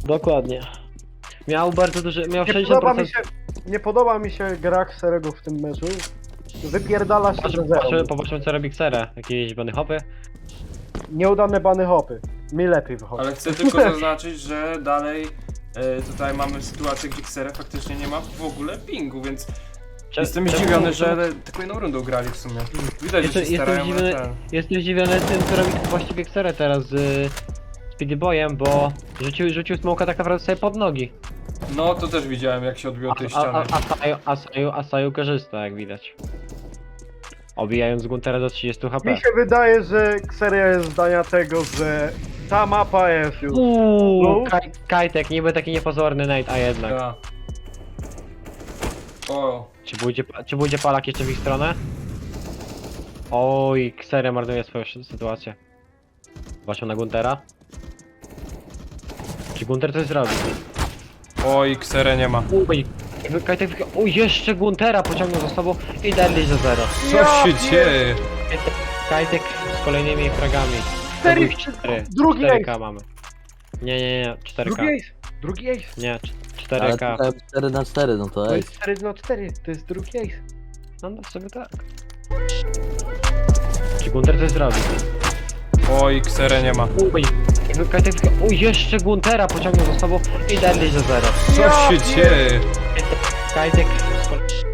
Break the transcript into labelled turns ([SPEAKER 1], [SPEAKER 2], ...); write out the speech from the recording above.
[SPEAKER 1] Dokładnie. Miał bardzo duży, miał
[SPEAKER 2] Nie
[SPEAKER 1] 60%.
[SPEAKER 2] podoba mi się, nie podoba mi się gra Xerego w tym meczu. Wypierdala się ze zero.
[SPEAKER 1] Popatrzmy co robi Xere. Jakieś bany hopy.
[SPEAKER 2] Nieudane bany hopy. Mi lepiej wychodzi.
[SPEAKER 3] Ale chcę tylko zaznaczyć, że dalej tutaj mamy sytuację, gdzie Xere faktycznie nie ma w ogóle pingu, więc jestem zdziwiony, że tylko jedną rundą grali w sumie. Widać, że się starają, ale ten...
[SPEAKER 1] Jestem zdziwiony tym, co robi właściwie Xere teraz z Speedy Boyem, bo rzucił smoka tak naprawdę sobie pod nogi.
[SPEAKER 3] No to też widziałem, jak się odbiło tej ściany.
[SPEAKER 1] Saju korzysta, jak widać. Obijając Guntera do 30 HP.
[SPEAKER 2] Mi się wydaje, że Xeria jest zdania tego, że ta mapa jest już. No.
[SPEAKER 1] Kajtek, niby taki niepozorny Nate, a jednak.
[SPEAKER 3] Ja. O,
[SPEAKER 1] Czy pójdzie Palak jeszcze w ich stronę? Oj, Xere marnuje swoją sytuację. Patrzą na Guntera. Czy Gunter coś zrobi?
[SPEAKER 3] oj, Xere nie ma.
[SPEAKER 1] Uj, Kajtek, jeszcze Guntera pociągnął za sobą i dali za 0.
[SPEAKER 3] Co się dzieje?
[SPEAKER 1] Kajtek z kolejnymi fragami.
[SPEAKER 2] Cztery-
[SPEAKER 1] To był 4.
[SPEAKER 2] drugi
[SPEAKER 1] 4K
[SPEAKER 2] ace.
[SPEAKER 1] mamy. Nie, 4K.
[SPEAKER 2] Drugi ace. Drugi ace.
[SPEAKER 1] Nie,
[SPEAKER 4] Ale
[SPEAKER 1] 4K.
[SPEAKER 4] tutaj 4 na 4, no to
[SPEAKER 2] To
[SPEAKER 4] ej.
[SPEAKER 2] jest 4 na 4. To jest drugi ace.
[SPEAKER 1] No sobie tak. Czy Gunter coś zrobi?
[SPEAKER 3] Oj, Xere nie ma.
[SPEAKER 1] Uj, Kajtek, jeszcze Guntera pociągnął za sobą i dali za 0.
[SPEAKER 3] Co się dzieje?
[SPEAKER 1] Kajtek z kolei...